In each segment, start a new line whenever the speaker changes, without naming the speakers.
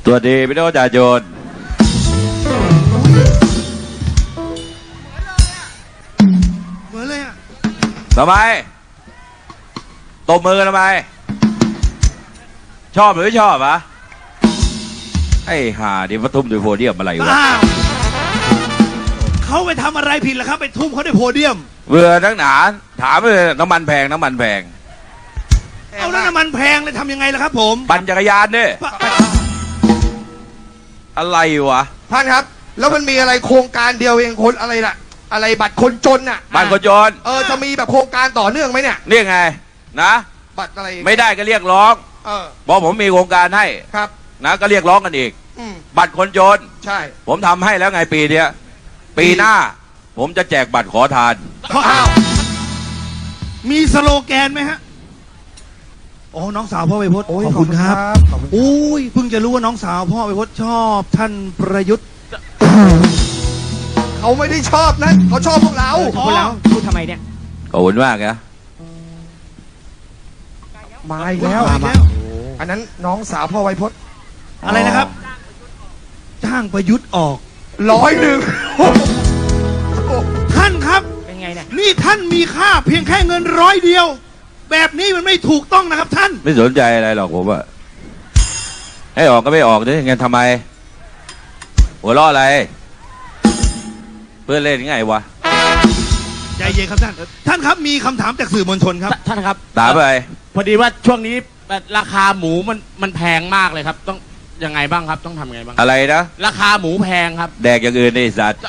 ตัวดีพี่น้องประชาชน
เหมือนเลยอ่ะ
ทำไมตบมือทำไมชอบหรือไม่ชอบอะไอ้ห่าดิมาทุ่มด้วยโพเดียมอะไรวะ
เขาไปทำอะไรผิดล่ะครับไปทุ่มเขาด้วยโพเดียม
เบื่อทั้งหนาถามเลยน้ำมันแพงเอาแล้ว
น้ำมันแพงเลยทำยังไงล่ะครับผม
ปั่นจักรยานเนี่ยอะไรวะ
ท่านครับแล้วมันมีอะไรโครงการเดียวเองคนอะไรล่ะอะไรบัตรคนจนน่ะ
บัตรคนจน
จะมีแบบโครงการต่อเนื่องไหมเนี่ย
เรียกไงนะ
บัตรอะไร
ไม่ได้ก็เรียกร้องบอกผมมีโครงการให้
ครับ
นะก็เรียกร้องกันอีกบัตรคนจน
ใช่
ผมทำให้แล้วไงปีเนี้ยปีหน้าผมจะแจกบัตรขอทาน
มีสโลแกนไหมฮะโอ้น้องสาวพ่อไวพจน์ขอบคุณครับอุ้ยเพิ่งจะรู้ว่าน้องสาวพ่อไวพจน์ชอบท่านประยุทธ์
เขาไม่ได้ชอบนะเขาชอบพวกเรา
พูดทำไมเนี่ย
ขอบคุณมากนะ
มาอีกแล้วอันนั้นน้องสาวพ่อไวพจน์
อะไรนะครับจ้างประยุทธ์ออก
100
ท่านครับเป็นไงเนี่ยนี่ท่านมีค่าเพียงแค่เงิน100เดียวแบบนี้มันไม่ถูกต้องนะครับท่าน
ไม่สนใจอะไรหรอกผมอะให้ออกก็ไม่ออกด้วยงั้นทำไมหัวล้ออะไรเพื่อนเล่นยังไงวะ
ใจเย็นครับท่านครับมีคำถามจากสื่อมวลชนครับ
ท่านครับ
ถามไป
พอดีว่าช่วงนี้ราคาหมูมันแพงมากเลยครับต้องยังไงบ้างครับต้องทำยังไงบ้าง
อะไรนะ
ราคาหมูแพงครับ
แดกอย่างอื่นในสัตว์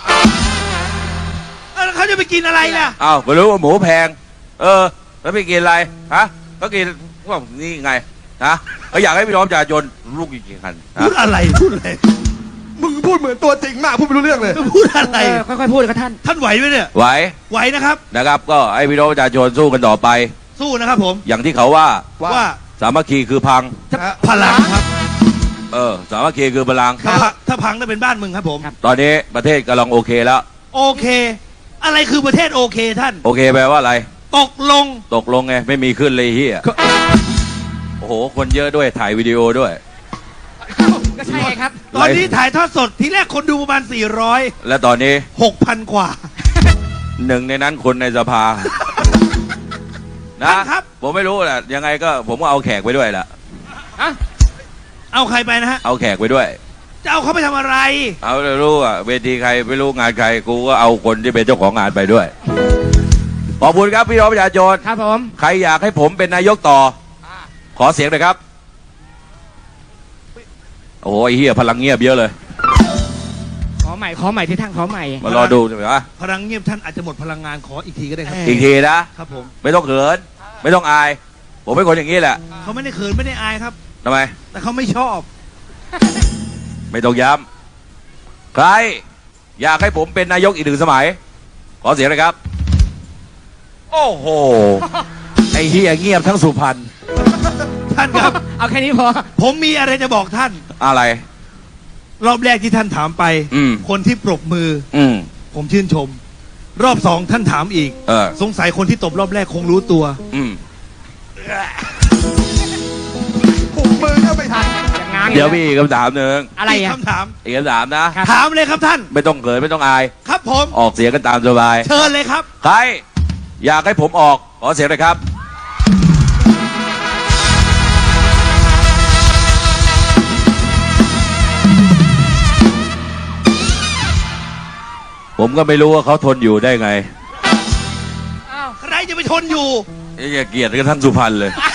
เขาจะไปกินอะไรล่ะ
อ้าวไม่รู้ว่าหมูแพงแล้วไปกินอะไรฮะเขากินว่านี่ไงฮะเขาอยากให้พี่น้องประชาชนลูกจริงๆกัน
พูดอะไร
มึงพูดเหมือนตัวจริงมากพูดไม่รู้เรื่องเลย
พูดอะไร
ค่อยๆพูดครับท่าน
ไหวไหมเนี่ยไหว
นะครับก็ให้พี่น้องประชาชนสู้กันต่อไป
สู้นะครับผม
อย่างที่เขาว่าสามัคคีคือพัง
พลังครับ
สามัคคีคือพลัง
ถ้าพังจะเป็นบ้านมึงครับผม
ตอนนี้ประเทศกำลังโอเคแล้ว
โอเคอะไรคือประเทศโอเคท่าน
โอเคแปลว่าอะไร
ตกลง
ไงไม่มีขึ้นเลยเฮียโอ้โหคนเยอะด้วยถ่ายวิดีโอด้วย
ก็ใช่ครับ
ตอนนี้ถ่ายทอดสดทีแรกคนดูประมาณ400
แล้วตอนนี้
6,000 กว่า
หนึ่งในนั้นคนในสภานะครับผมไม่รู้แหละยังไงก็ผมก็เอาแขกไปด้วยแหละ
เอาใครไปนะฮะ
เอาแขกไปด้วย
จะเอาเขาไปทำอะไร
เอาไม่รู้อ่ะเวทีใครไม่รู้งานใครกูก็เอาคนที่เป็นเจ้าของงานไปด้วยขอบคุณครับพี่น้องประชาชน
ครับผม
ใครอยากให้ผมเป็นนายกต่อขอเสียงหน่อยครับโอ้โหไอ้เหี้ยพลังเงียบเยอะเลย
ขอใหม่ที่ท่านขอใหม่
มารอดูใช่ไหมวะ
พลังเงียบท่านอาจจะหมดพลังงานขออีกทีก็ได้ครับ
อีกทีนะครับ
ผม
ไม่ต้องเขินไม่ต้องอายผมเป็นคนอย่างนี้แหละ
เขาไม่ได้เขินไม่ได้อายครับ
ทำไม
แต่เขาไม่ชอบ
ไม่ต้องย้ำใครอยากให้ผมเป็นนายกอีก1 สมัยขอเสียงเลยครับโอ้โหไอ้เฮียเงียบทั้งสุพรรณ
ท่านครับ
เอาแค่นี้พอ
ผมมีอะไรจะบอกท่าน
อะไร
รอบแรกที่ท่านถามไปคนที่ปรบมือผมชื่นชมรอบ2ท่านถามอีกสงสัยคนที่ตบรอบแรกคงรู้ตัว
ผมมือก็ไม่ทัน
เดี๋ยวมีอีกคำถามหนึ่ง
อะไรคำถาม
อีกคำถามนะ
ถามเลยครับท่าน
ไม่ต้องเขินไม่ต้องอาย
ครับผม
ออกเสียงกันตามสบาย
เชิญเลยครับ
ใครอยากให้ผมออกขอเสียงเลยครับผมก็ไม่รู้ว่าเขาทนอยู่ได้ไง
ใครจะไปทนอยู่
อย่าเกลียดกันทั้งสุพรรณเลย